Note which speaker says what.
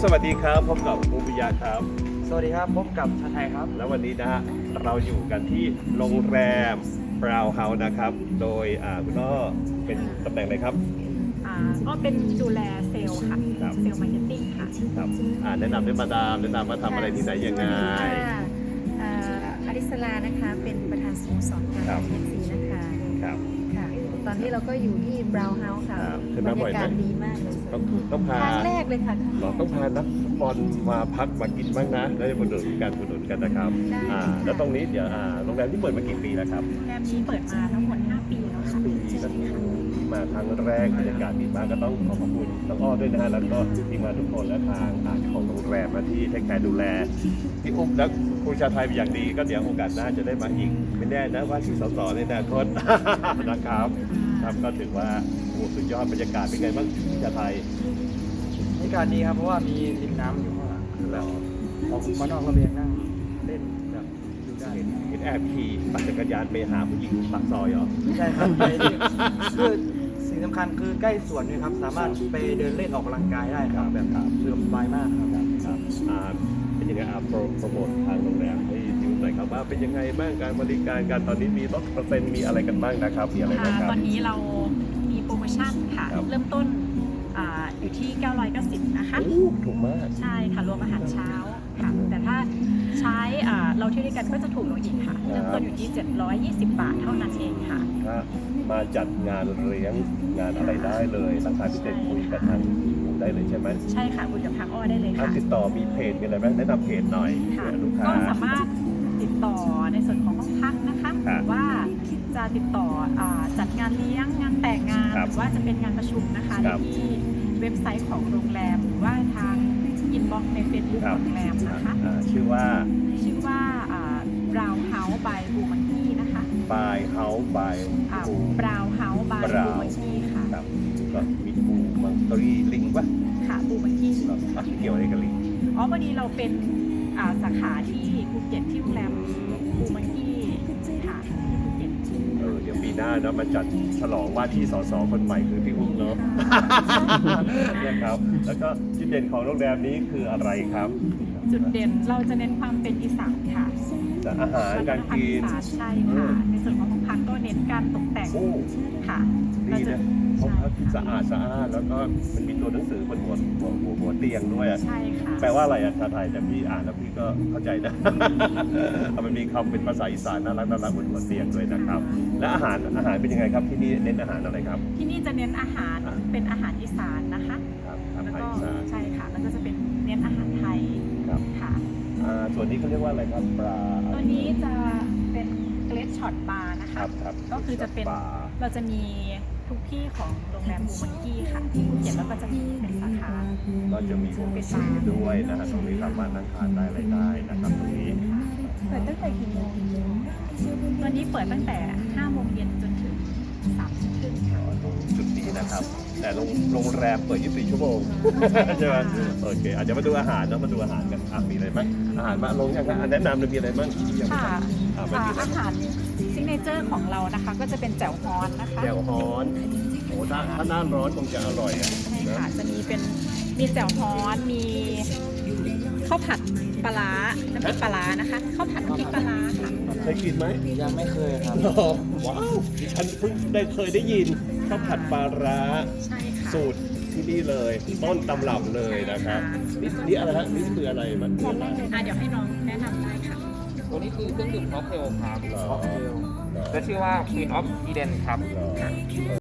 Speaker 1: สวัสดีครับพบกับภูมิยาครับ
Speaker 2: สวัสดีครับพบกับชาไทยครับ
Speaker 1: แล้ววันนี้นะฮะเราอยู่กันที่โรงแรมบราวน์เฮาส์นะครับโดยคุณอ้อเป็นตำแหน่งอะไรครับ
Speaker 3: ก็เป็นดูแลเซลล์ค่ะเซลล์มาร์เก็ตติ้งค่ะ
Speaker 1: ครับแนะนำด้วยมาดามแนะนำว่าทำอะไรที่ไหนยังไง
Speaker 4: อริสลานะคะเป็นประธานสโมสรการเอฟซีนะคะ
Speaker 1: ครับ
Speaker 4: ค่ะตอนนี้เราก็อยู่ที่บราวน์เฮาส์ค่ะบรรยากาศดีมากเลย
Speaker 1: ต้องพา
Speaker 4: ครั้งแรกเลยค่ะ
Speaker 1: ต้องพานักฟุตบอลมาพักมากินบ้างนะแล้วจะมาดูการอุดหนุนกันนะครับแล้วตรงนี้เดี๋ยวโรงแรมที่เปิดมากี่ปีแล้วครับ
Speaker 3: โรงแรมนี้เปิดมาทั้งหมด5 ปีแล้วค่ะ
Speaker 1: ปีก็มาครั้งแรกบรรยากาศดีมากก็ต้องขอบคุณน้องอ้อด้วยนะฮะแล้วก็ทีมงานทุกคนและทางของโรงแรมที่เทคแคร์ดูแลพี่อุ๊บและคุณชาไทยเป็นอย่างดีก็เดี๋ยวโอกาสหน้าจะได้มาอีกไม่แน่นะว่าที่สสในอนาคตนะครับก็ถือว่าสุดยอดบรรยากาศเป็นไงบ้างชาไทย
Speaker 2: บรรยากาศดีครับเพราะว่ามีริมน้ำอยู่ข้างหลังแล้วออกมานอกระเบียงนั่งเล่นแบบดูได้
Speaker 1: เห็นแอบขี่ปั่นจักรยานไปหาผู้หญิงปากซอยเหรอ
Speaker 2: ใช่ครับไปคือสิ่งสำคัญคือใกล้สวนด้วยครับสามารถไปเดินเล่นออกกำลังกายได้ครับแบบสะดวกสบายมากครับ
Speaker 1: เป็นยังไงโปรโมททางโรงแรมให้ดูหน่อยครับว่าเป็นยังไงบ้างการบริการการตอนนี้มีลดเปอร์เซ็นต์มีอะไรกันบ้างนะครับมีอะไรบ้างครับ
Speaker 3: ตอนนี้เรามีโปรโมชั่นค่ะเริ่มต้นอยู่ที่990นะคะ
Speaker 1: ถูกมาก
Speaker 3: ใช่ค่ะรวมอาหารเช้าค่ะแต่ถ้าใช้เราเที่ยวด้วยกันก็จะถูกลงอีกค่ะเริ่มต้นอยู่ที่720 บาทเท่านั้นเองค่ะ
Speaker 1: มาจัดงานเลี้ยงงานอะไรได้เลยราคาพิเศษคุยกับทางได้เลยใช่ไหม
Speaker 3: ใช่ค่ะคุยกับทางอ้อได้เลยค่ะ
Speaker 1: ติดต่อมีเพจมีอะไรบ้างแนะนำเพจหน่อยลูกค้า
Speaker 3: ก็สามารถติดต่อในส่วนของห้องพักนะคะหรือว่าจะติดต่อจัดงานเลี้ยงงานแต่งงานหรือว่าจะเป็นงานประชุมนะคะที่เว็บไซต์ของโรงแรมหรือว่าทางอินบ็อกซ์ในเฟซบุ๊กโรงแรมนะคะ
Speaker 1: ชื่อว่า
Speaker 3: บราวน์เฮาส์บายบูมันกี้นะคะ
Speaker 1: บายเฮาส์บาย
Speaker 3: บราวน์เฮาส์บายบูมันกี้ค่ะ
Speaker 1: ก็มีบูมันกี้ลิงป่ะ
Speaker 3: ค่ะบูมันกี้
Speaker 1: เกี่ยวอะไรกับลิง
Speaker 3: วันนี้เราเป็นสาขาที่ภูเก็ตที่โรงแรมบูมันกี้ค่ะที่ภูเก็ต
Speaker 1: เดี๋ยวปีหน้านะมาจัดฉลองว่าที่สสคนใหม่คือพี่อุ๊บเนาะนะครับแล้วก็จุดเด่นของโรงแรมนี้คืออะไรครับ
Speaker 3: จุดเด่นเราจะเน้นความเป็นอีสานค่ะ
Speaker 1: อาหารการกิน
Speaker 3: ใช่ค่ะในส่วนของห้องพักก็เน้นการตกแต่งค่ะ
Speaker 1: ดีนะห้องพักสะอาดแล้วก็มันมีตัวหนังสือบนหัวเตียงด้วย
Speaker 3: ใช่ค่ะ
Speaker 1: แปลว่าอะไรชาไทยแต่พี่อ่านแล้วพี่ก็เข้าใจนะมันมีคำเป็นภาษาอีสานน่ารักบนหัวเตียงด้วยนะครับและอาหารเป็นยังไงครับที่นี่เน้นอาหารอะไรครับ
Speaker 3: ที่นี่จะเน้นอาหารเป็นอาหารอีสานนะคะ
Speaker 1: แล้วก็
Speaker 3: ใช่ค่ะแล้วก็จะเป็นเน้นอาหารไทยค่ะ
Speaker 1: ส่วนนี้เขาเรียกว่าอะไรครับปลา
Speaker 3: ตัวนี้จะเป็นเกรดช็อตบาร์นะคะก็คือจะเป็นเราจะมีทุกที่ของโรงแรมบูมันกี้ค่ะที่ภูเก็ตแล้วก็จะมีเป็นสาขา
Speaker 1: ก็จะมีเป็นซีด้วยนะฮะตรงนี้สามารถนั่งทานได้อะไรได้นะครับตรงนี้
Speaker 3: เปิดตั้งแต่กี่โมงวันนี้เปิดตั้งแต่5 โมงเย็นจนถึง3 ทุ่มครึ่งค่ะ
Speaker 1: ตรงจุดนี้นะครับแต่โรงแรมเปิด24 ชั่วโมงใช่ไหมโอเคอาจจะมาดูอาหารมาดูอาหารกันมีอะไรบ้างอาหารมาลงยังแนะนำเลยมีอะไรบ้าง
Speaker 3: ค่ะอาหารซิกเนเจอร์ของเรานะคะก็จะเป็นแจ่วฮ้อนนะคะ
Speaker 1: แจ่วฮ้อนโอ้ถ้าหน้าร้อนคงจะอร่อย
Speaker 3: ใช่ค่ะจะมีแจ่วฮ้อนมีข้าวผัดปลาน้ำพริกปลานะคะข้าวผัดน้ำพริกปลาค่ะ
Speaker 1: เคยกินไหม
Speaker 2: ยังไม่เคยครับ
Speaker 1: ว้าวดิฉันเพิ่งเคยได้ยินข้าวผัดปลาสูตรที่นี่เลยต้นตำรับเลยนะครับนี่อะไรฮะนี่คืออะไรมัน
Speaker 3: เดี๋ยวให้น้องแนะนำได้ค่ะ
Speaker 5: ตัวนี้คือเครื่องดื่มค็อกเทลครับค็อกเทลและชื่อว่า Queen of Eden ครับ